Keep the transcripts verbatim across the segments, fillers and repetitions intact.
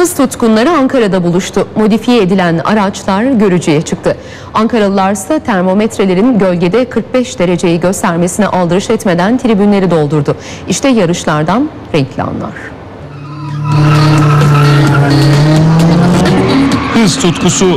Hız tutkunları Ankara'da buluştu. Modifiye edilen araçlar görücüye çıktı. Ankaralılar ise termometrelerin gölgede kırk beş dereceyi göstermesine aldırış etmeden tribünleri doldurdu. İşte yarışlardan renkli anlar. Hız tutkusu,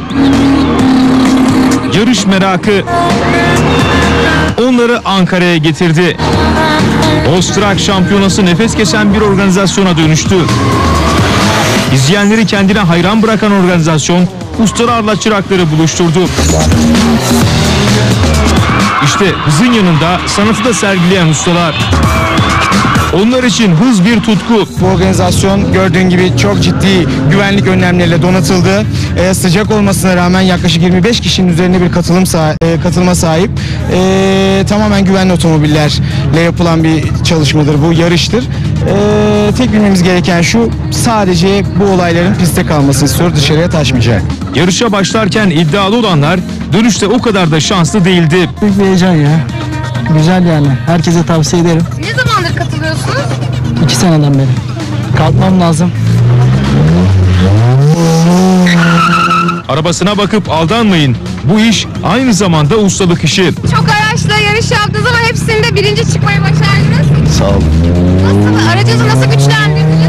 yarış merakı onları Ankara'ya getirdi. Ostrag Şampiyonası nefes kesen bir organizasyona dönüştü. İzleyenleri kendine hayran bırakan organizasyon ustalarla çırakları buluşturdu. İşte hızın yanında sanatı da sergileyen ustalar. Onlar için hız bir tutku. Bu organizasyon gördüğün gibi çok ciddi güvenlik önlemleriyle donatıldı. Ee, sıcak olmasına rağmen yaklaşık yirmi beş kişinin üzerine bir katılım sah- e, katılma sahip. Ee, tamamen güvenli otomobillerle yapılan bir çalışmadır, bu yarıştır. Ee, tek bilmemiz gereken şu, sadece bu olayların piste kalmasını istiyor, dışarıya taşmayacak. Yarışa başlarken iddialı olanlar dönüşte o kadar da şanslı değildi. Büyük bir heyecan ya. Güzel yani. Herkese tavsiye ederim. Ne zamandır katılıyorsunuz? İki seneden beri. Kalkmam lazım. Arabasına bakıp aldanmayın. Bu iş aynı zamanda ustalık işi. Çok araçla yarış yaptınız ama hepsinde birinci çıkmayı başardınız. Sağ olun. Nasıl? Aracınızı nasıl güçlendirdiniz?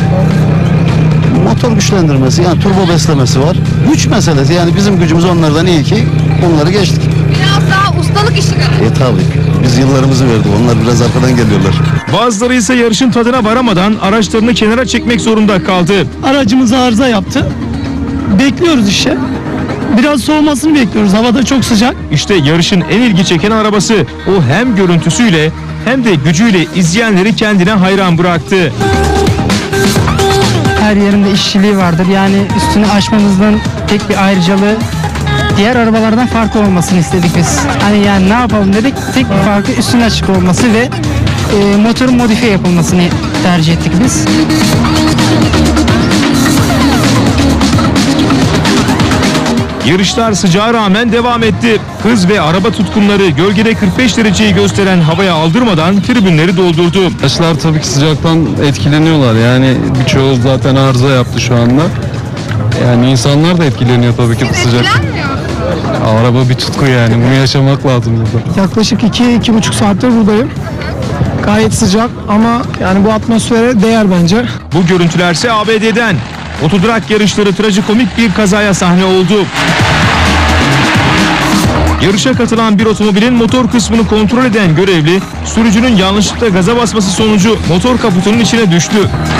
Motor güçlendirmesi, yani turbo beslemesi var. Güç meselesi, yani bizim gücümüz onlardan iyi ki onları geçtik. Biraz daha ustalık işi galiba. E tabi. Biz yıllarımızı verdik. Onlar biraz arkadan geliyorlar. Bazıları ise yarışın tadına varamadan araçlarını kenara çekmek zorunda kaldı. Aracımız arıza yaptı. Bekliyoruz işte. Biraz soğumasını bekliyoruz. Havada çok sıcak. İşte yarışın en ilgi çeken arabası. O hem görüntüsüyle hem de gücüyle izleyenleri kendine hayran bıraktı. Her yerinde işçiliği vardır. Yani üstünü açmamızdan tek bir ayrıcalığı diğer arabalardan farklı olmasını istedik biz. Hani yani ne yapalım dedik. Tek bir farkı üstünün açık olması ve e, motorun modifiye yapılmasını tercih ettik biz. Yarışlar sıcağa rağmen devam etti. Hız ve araba tutkunları gölgede kırk beş dereceyi gösteren havaya aldırmadan tribünleri doldurdu. Araçlar tabii ki sıcaktan etkileniyorlar. Yani birçoğu zaten arıza yaptı şu anda. Yani insanlar da etkileniyor tabii ki bu sıcak. Etkilenmiyor. Araba bir tutku yani. Bunu yaşamak lazım burada. Yaklaşık iki iki buçuk saattir buradayım. Gayet sıcak ama yani bu atmosfere değer bence. Bu görüntülerse A B D'den. Otodrag yarışları trajikomik bir kazaya sahne oldu. Yarışa katılan bir otomobilin motor kısmını kontrol eden görevli, sürücünün yanlışlıkla gaza basması sonucu motor kaputunun içine düştü.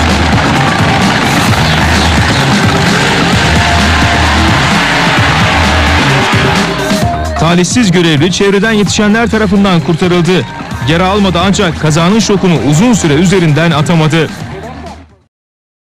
Talihsiz görevli çevreden yetişenler tarafından kurtarıldı. Yara almadı ancak kazanın şokunu uzun süre üzerinden atamadı.